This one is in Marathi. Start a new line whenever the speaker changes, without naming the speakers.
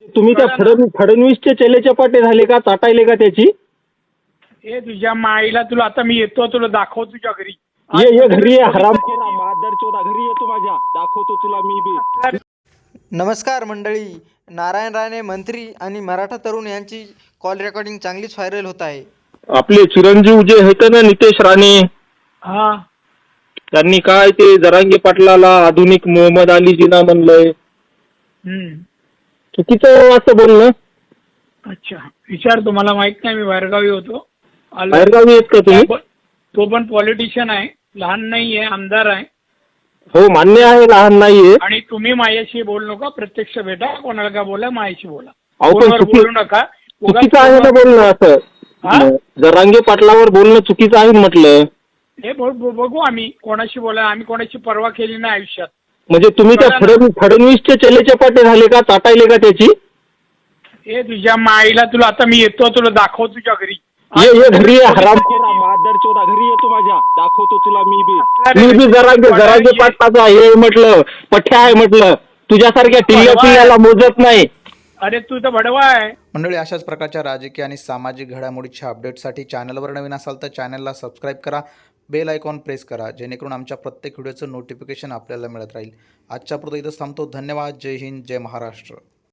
तुम्ही त्या फडणवीसचे चेले पाटे झाले का, चाटायले का त्याची?
हे तुझ्या माईला, तुला आता मी येतो, तुला दाखव तुझ्या घरी.
ये घरी ये हरामखोरा मादरचोदा, घरी येतो माझ्या, दाखवतो तुला मी बी.
नमस्कार मंडळी. नारायण राणे मंत्री आणि मराठा तरुण यांची कॉल रेकॉर्डिंग चांगलीच व्हायरल होत आहे.
आपले चिरंजीव जे आहेत ना, नितेश राणे,
हा,
त्यांनी काय ते जरांगे पाटलाला आधुनिक मोहम्मद अली जिना म्हणलंय. चुकीचं असं बोलणं.
अच्छा, विचार, तुम्हाला माहित नाही मी बाहेरगावी होतो.
बाहेरगावी आहेत का तुम्ही?
तो पण पॉलिटिशियन आहे, लहान नाहीये, आमदार आहे.
हो, मान्य आहे, लहान नाहीये.
आणि तुम्ही माझ्याशी बोलू नका, प्रत्यक्ष भेटा, कोणाला का बोला, माझ्याशी बोला.
अहो, पण
फोनवर बोलू नका.
चुकीचं आहे ना बोलणं असं. जरांगे पाटलावर बोलणं चुकीचं आहे म्हटलं.
हे बघू, आम्ही कोणाशी बोला, आम्ही कोणाची पर्वा केली नाही आयुष्यात.
म्हणजे तुम्ही त्या फडणवीसचे चेले पाटे झाले का, चाटायले का त्याची?
हे तुझ्या माईला, तुला आता मी येतो, तुला दाखव तुझ्या घरी.
ये घरी ये हरामखोरा मादरचोदा, घरी येतो माझ्या, दाखवतो तुला मी बी जरांगे पाटलाचा हे म्हटलं, पठ्या आहे म्हटलं. तुझ्यासारख्या टिल्ल्याला मोजत नाही.
अरे तू तर भडवा आहे.
मंडळी, अशाच प्रकारच्या राजकीय आणि सामाजिक घडामोडीच्या अपडेटसाठी चॅनलवर नवीन असाल तर चॅनलला सबस्क्राईब करा, बेल आयकॉन प्रेस करा, जेणेकरून आमच्या प्रत्येक व्हिडिओचं नोटिफिकेशन आपल्याला मिळत राहील. आजच्या पुरतं इथंच थांबतो. धन्यवाद. जय हिंद, जय महाराष्ट्र.